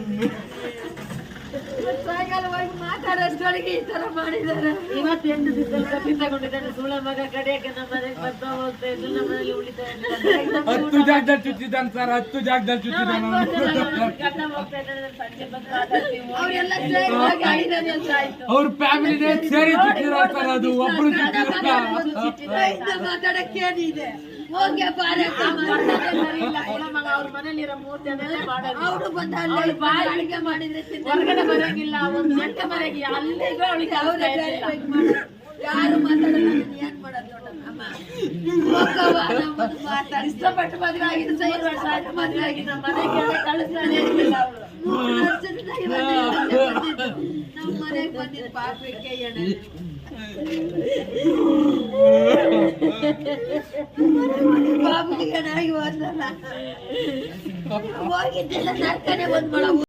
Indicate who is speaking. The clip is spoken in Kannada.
Speaker 1: ಸಾಯಂಕಾಲವಾಗಿ ಮಾತಾಡೋಷ್ಟೊಳಗೆ ಈ ತರ ಮಾಡಿದ್ದಾರೆ.
Speaker 2: ಇವತ್ತು 8 ದಿವಸದಲ್ಲಿ ಕಪ್ಪಿ ತಗೊಂಡಿದ್ದಾನೆ. ಸುಳ್ಳ ಮಗ ಕಡೆಯಕ್ಕೆ ನಮ್ಮ ಮನೆಗೆ ಬರ್ತಾ ಹೋಗ್ತಾ ಇದ್ದು ನಮ್ಮ ಮನೇಲಿ ಉಳಿತಾ ಇದ್ದಾನೆ.
Speaker 3: 10 ಜಾಗದಲ್ಲಿ ಚುಚ್ಚಿದ್ದಾನೆ ಸರ್, 10 ಜಾಗದಲ್ಲಿ ಚುಚ್ಚಿದ್ದಾನೆ.
Speaker 2: ಗಂಡ ಹೋಗ್ತಾ ಇದ್ದಾನೆ, ಸಂಜೆ ಬಂದು ಮಾತಾಡ್ತೀವಿ.
Speaker 1: ಅವರೆಲ್ಲ ಸೇರಿ ಆಗಿದ್ದಾರೆ ಅಂತ ಆಯ್ತು.
Speaker 3: ಅವ್ರ ಫ್ಯಾಮಿಲಿನೇ ಸೇರಿ ಚುಚ್ಚಿದ್ದಾರೆ ಸರ್. ಅದು ಒಬ್ರು ಚುಚ್ಚಿರಲ್ಲ.
Speaker 1: ಮಾತಾಡಕ್ಕೇನಿದೆ? ಹೋಗಿ ಪಾರಕ್ಕ
Speaker 2: ಮಗ ಅವ್ರ ಮನೇಲಿರೋ ಮೂರ್ತಿ ಅದನ್ನೇ ಮಾಡೋದು.
Speaker 1: ಅವರು ಬಂದ ಅಲ್ಲಿ ಬಾರಿ ಅಡಿಗೆ ಮಾಡಿದ್ರೆ
Speaker 2: ಹೊರಗಡೆ ಬರಂಗಿಲ್ಲ, ಒಂದು ಗಂಟೆ ಮನೆಗೆ ಅಲ್ಲಿಗೂ ಅವಳಿಗೆ
Speaker 1: ಯಾರು ಮಾತಾಡಲ್ಲ. ಏನ್ ಮಾಡೋದು ನೋಡಮ್ಮ,
Speaker 2: ಇಷ್ಟಪಟ್ಟು ಮದುವೆ ಆಗಿದ್ದು 5 ವರ್ಷ ಆಯ್ತು. ಮದುವೆ ಆಗಿ ನಮ್ಮ ಮನೆಗೆ ಕಳಿಸ್ತಾನೆ ಇರ್ಲಿಲ್ಲ ಅವಳು.
Speaker 1: ನಮ್ಮ ಮನೆಗೆ ಬಂದಿದ್ದು ಪಾಪಕ್ಕೆ ಬಾಬುಗೆ ಏನಾಗಿ ಹೋದ್ರಲ್ಲ, ಹೋಗಿದ್ದೆಲ್ಲ ನರ್ಕನೆ ಬಂದ್ ಮಾಡೋ